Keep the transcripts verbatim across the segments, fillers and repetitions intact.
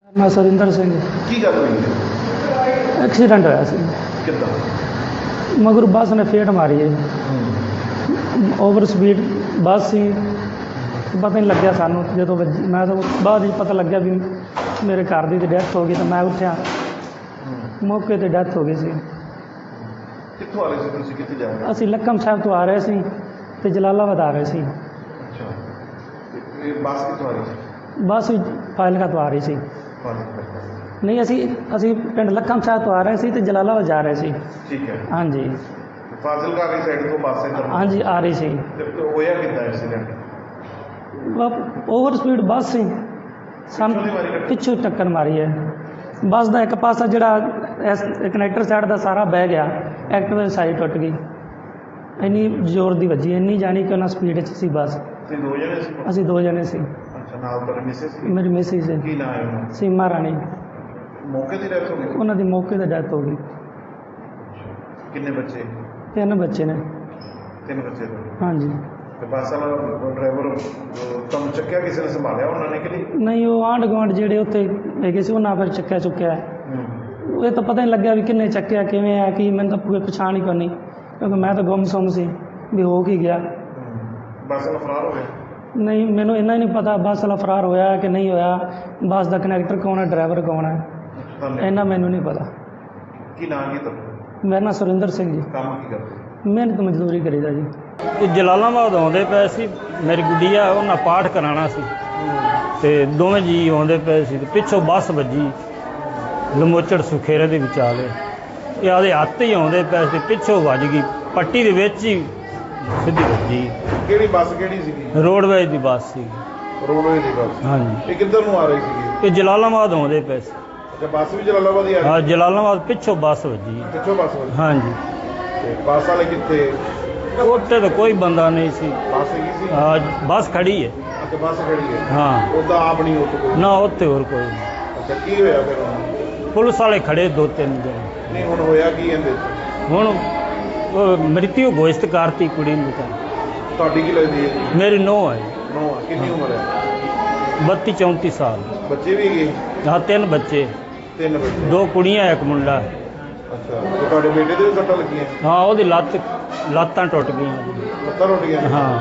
मैं सुरिंदर सिंह ਕੀ ਗੱਲ ਹੋਈ ਹੈ? एक्सीडेंट होया सी ਕਿੱਦਾਂ? मगर बस ने फेट मारी है ओवर स्पीड बस सी पता नहीं लग्या सानू जो वजी मैं तो बाद ही पता लग्या भी मेरे घर की डैथ हो गई तो मैं उठा मौके पर डैथ हो गई सी। ਕਿੱਥੋਂ ਆ ਰਹੇ ਸੀ ਤੁਸੀਂ? ਕਿੱਥੇ ਜਾ ਰਹੇ असी लक्कम साहब तो आ रहे सी ते जलालाबाद आ रहे सी। ਅੱਛਾ, ਤੇ ਇਹ ਬੱਸ ਕਿੱਥੋਂ ਆ ਰਹੀ ਸੀ? बस फाइलका तो आ रही सी। ਫਾਜ਼ਿਲਕਾ ਤੋਂ। नहीं असी असी पिंड लक्कम साहब तो आ रहे सी ते जलालाबाद जा रहे सी। ਠੀਕ ਹੈ। हाँ जी ਫਾਜ਼ਿਲਕਾ ਵਾਲੀ ਸਾਈਡ ਤੋਂ ਬੱਸ ਇੱਧਰ हाँ जी आ रही सी। ਤੇ ਹੋਇਆ ਕਿੱਦਾਂ ਐਕਸੀਡੈਂਟ? ओवर स्पीड बस सी सन पिछू टक्कर मारी है। बस का एक पासा जोड़ा कनैक्टर साइड का सारा बह गया, एक्टिवा की साइड टुट गई। इन्नी जोर की वजी इन्नी जानी कि उन्हें स्पीड च सी बस। ਤੁਸੀਂ ਦੋ ਜਣੇ ਸੀ? असी दो जने सी। ਅੱਛਾ, ਨਾਲ ਤੁਹਾਡੇ ਮਿਸਿਸ ਸੀ? मेरी मिसी से ਕੀ ਨਾਮ ਹੈ ਉਹਨਾਂ ਦਾ? सीमा राणी ਮੌਕੇ ਦੀ ਡੈਥ ਹੋ ਗਈ? उन्होंने मौके पर डेथ हो गई। ਕਿੰਨੇ ਬੱਚੇ? तीन बच्चे ने। ਤਿੰਨ ਬੱਚੇ ਤੁਹਾਡੇ। हाँ जी ਤੇ ਬੱਸ ਵਾਲਾ ਡਰਾਈਵਰ ਤੁਹਾਨੂੰ ਚੱਕਿਆ ਕਿਸੇ ਨੇ ਸੰਭਾਲਿਆ ਉਹਨਾਂ ਨੇ ਕਿ ਨਹੀਂ? नहीं वो आंढ गुआढ़ जेडे उत्थे हैगे सी उन्होंने फिर चक्या चुक्या है। ਹੂੰ। ये तो पता नहीं लग्या भी किन्ने चक्या किवें है कि मैंने तो कोई पछाण ही करनी क्योंकि मैं तो गुमसुम सी भी हो की गया। ਬੱਸ ਵਾਲਾ ਫਰਾਰ ਹੋ ਗਿਆ? नहीं मैनू इन्ना ही नहीं पता बस वाला फरार होया कि नहीं होया, बस का कनैक्टर कौन है, ड्राइवर कौन है, ਤੁਹਾਨੂੰ इन्ना मैनू नहीं पता। ਕੀ ਨਾਮ ਕੀ ਤੁਹਾਡਾ? मेरा नाम सुरिंदर सिंह जी, ਕੰਮ ਕੀ ਕਰਦੇ? मेहनत मजदूरी करीदा जी। ਇਹ ਜਲਾਲਾਬਾਦ ਆਉਂਦੇ ਪਏ ਸੀ, ਮੇਰੀ ਗੁੱਡੀ ਆ ਉਹਨਾਂ ਪਾਠ ਕਰਾਉਣਾ ਸੀ ਤੇ ਦੋਵੇਂ ਜੀ ਆਉਂਦੇ ਪਏ ਸੀ ਤੇ ਪਿੱਛੋਂ ਬੱਸ ਵੱਜੀ ਲਮੋਚੜ ਸੁਖੇਰੇ ਦੇ ਵਿਚਾਲੇ। ਇਹ ਆਦੇ ਹੱਥ ਹੀ ਆਉਂਦੇ ਪਏ ਸੀ, ਪਿੱਛੋਂ ਵੱਜ ਗਈ ਪੱਟੀ ਦੇ ਵਿੱਚ ਹੀ ਸਿੱਧੀ ਵੱਜੀ। ਕਿਹੜੀ ਬੱਸ ਕਿਹੜੀ ਸੀਗੀ? ਰੋਡਵੇਜ਼ ਦੀ ਬੱਸ ਸੀ। ਰੋਡਵੇਜ਼ ਦੀ ਬੱਸ। ਹਾਂਜੀ, ਇਹ ਕਿੱਧਰ ਨੂੰ ਆ ਰਹੀ ਸੀਗੀ? ਇਹ ਜਲਾਲਾਬਾਦ ਆਉਂਦੇ ਪਏ ਸੀ। ਅੱਛਾ, ਬੱਸ ਵੀ ਜਲਾਲਾਬਾਦ ਹੀ ਆ ਰਹੀ? ਹਾਂ, ਜਲਾਲਾਬਾਦ ਪਿੱਛੋਂ ਬੱਸ ਵੱਜੀ। ਪਿੱਛੋਂ ਬੱਸ ਵਾਲੀ? ਹਾਂਜੀ, ਤੇ ਬੱਸ ਵਾਲੇ ਕਿੱਥੇ? ਉੱਥੇ ਤਾਂ ਕੋਈ ਬੰਦਾ ਨਹੀਂ ਸੀ। ਬੱਸ ਹੈਗੀ ਸੀ? ਹਾਂ, ਬੱਸ ਖੜੀ ਹੈ। ਅੱਛਾ, ਬੱਸ ਖੜੀ ਹੈ। ਹਾਂ, ਉਹਦਾ ਆਪ ਨਹੀਂ ਉੱਥੇ ਕੋਈ? ਨਾ ਉੱਥੇ ਹੋਰ ਕੋਈ ਨਹੀਂ। ਅੱਛਾ, ਕੀ ਹੋਇਆ ਫਿਰ ਉਹਨੂੰ? ਪੁਲਿਸ ਵਾਲੇ ਖੜੇ ਦੋ ਤਿੰਨ ਜਣੇ। ਨਹੀਂ, ਹੁਣ ਹੋਇਆ ਕੀ ਇਹਦੇ 'ਚ? ਹੁਣ ਉਹ ਮ੍ਰਿਤਿੂ ਘੋਸ਼ਿਤ ਕਰਤੀ ਕੁੜੀ ਨੂੰ ਤਾਂ। ਤੁਹਾਡੀ ਕੀ ਲੱਗਦੀ ਹੈ? ਮੇਰੀ ਨੂੰਹ ਹੈ, ਨੌ? ਕਿੰਨੀ ਉਮਰ ਹੈ? ਬੱਤੀ ਚੌਂਤੀ ਸਾਲ। ਬੱਚੇ ਵੀ ਹੈਗੇ? ਹਾਂ, ਤਿੰਨ ਬੱਚੇ, ਤਿੰਨ ਬੱਚੇ? ਦੋ ਕੁੜੀਆਂ ਇੱਕ ਮੁੰਡਾ। ਅੱਛਾ, ਤੇ ਤੁਹਾਡੇ ਬੇਟੇ ਦੇ ਵੀ ਸੱਟਾਂ ਲੱਗੀਆਂ? ਹਾਂ, ਉਹਦੀ ਲੱਤ ਲੱਤਾਂ ਟੁੱਟ ਗਈਆਂ। ਲੱਤਾਂ ਟੁੱਟ ਗਈਆਂ? ਹਾਂ,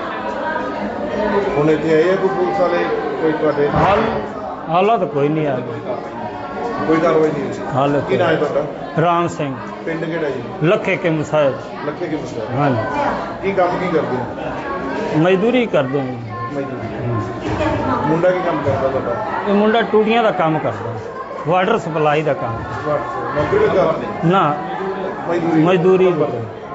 ਹੁਣ ਇੱਥੇ ਆਏ ਆ ਕੋਈ ਪੁਲਿਸ ਵਾਲੇ? ਕੋਈ ਤੁਹਾਡੇ ਹਾਲ ਹਾਲਾਤ ਕੋਈ ਨਹੀਂ ਆ ਗਿਆ। ਕੋਈ ਕਾਰਵਾਈ ਨਹੀਂ ਹੋਈ? ਹਾਲ ਕੀ ਨਾਮ ਹੈ ਤੁਹਾਡਾ? ਰਾਮ ਸਿੰਘ, ਪਿੰਡ ਕਿਹੜਾ ਜੀ? ਲੱਖੇ ਕੇ ਮੁਸਾਇਦ। ਲੱਖੇ ਕੀ ਮੁੰਡਾ? ਹਾਂਜੀ, ਕੀ ਕੰਮ ਕੀ ਕਰਦੇ ਹੋ? ਮਜ਼ਦੂਰੀ ਕਰਦੇ ਹਾਂ। ਮਜ਼ਦੂਰੀ। ਮੁੰਡਾ ਕੀ ਕੰਮ ਕਰਦਾ ਤੁਹਾਡਾ? ਇਹ ਮੁੰਡਾ ਟੂਟੀਆਂ ਦਾ ਕੰਮ ਕਰਦਾ, ਵਾਟਰ ਸਪਲਾਈ ਦਾ ਕੰਮ। ਨੌਕਰੀ ਲੱਗਾ? ਨਾ, ਮਜ਼ਦੂਰੀ? ਮਜ਼ਦੂਰੀ